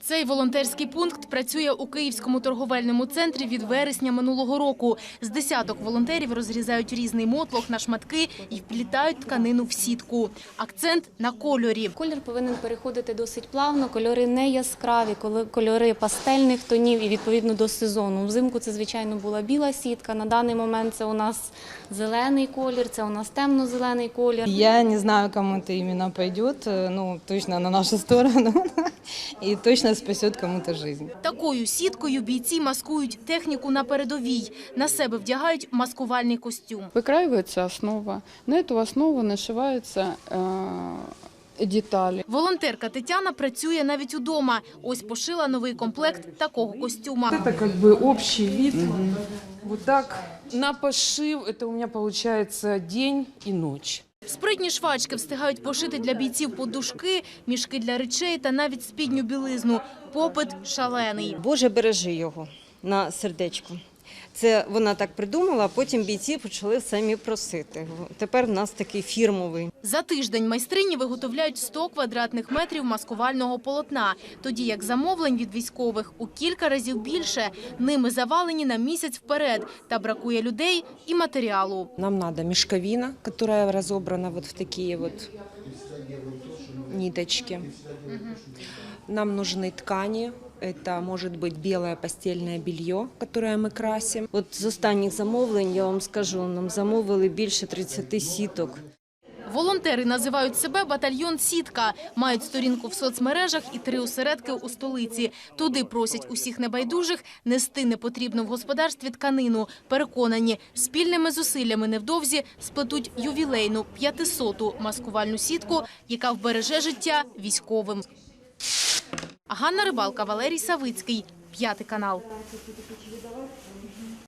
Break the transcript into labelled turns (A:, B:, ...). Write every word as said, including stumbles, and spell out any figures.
A: Цей волонтерський пункт працює у Київському торговельному центрі від вересня минулого року. З десяток волонтерів розрізають різний мотлох на шматки і вплітають тканину в сітку. Акцент на кольорі.
B: Колір повинен переходити досить плавно, кольори не яскраві, кольори пастельних тонів і відповідно до сезону. Взимку це, звичайно, була біла сітка, на даний момент це у нас зелений колір, це у нас темно-зелений колір.
C: Я не знаю, кому это именно пойдет, ну, точно на нашу сторону, и точно спасет кому-то жизнь.
A: Такою сіткою бійці маскують техніку на передовій. На себе вдягають маскувальний костюм.
D: Выкраивается основа, на эту основу нашиваются э, деталі.
A: Волонтерка Тетяна працює навіть удома. Ось пошила новий комплект такого костюма.
E: Это как бы общий вид. Mm-hmm. Вот так. На пошив это у меня получается день и ночь.
A: Спритні швачки встигають пошити для бійців подушки, мішки для речей та навіть спідню білизну. Попит шалений.
F: Боже, бережи його на сердечку. Це вона так придумала, а потім бійці почали самі просити. Тепер в нас такий фірмовий.
A: За тиждень майстрині виготовляють сто квадратних метрів маскувального полотна, тоді як замовлень від військових у кілька разів більше. Ними завалені на місяць вперед, та бракує людей і матеріалу.
G: Нам надо мешковина, которая разобрана вот в такие вот ниточки. Нам нужны ткани. Это может быть белое постельное белье, которое мы красим.
F: От з останніх замовлень, я вам скажу, нам замовили більше тридцяти сіток.
A: Волонтери називають себе «Батальйон Сітка». Мають сторінку в соцмережах і три осередки у столиці. Туди просять усіх небайдужих нести непотрібну в господарстві тканину. Переконані, спільними зусиллями невдовзі сплетуть ювілейну п'ятисоту маскувальну сітку, яка вбереже життя військовим. Ганна Рибалка, Валерій Савицький, П'ятий канал.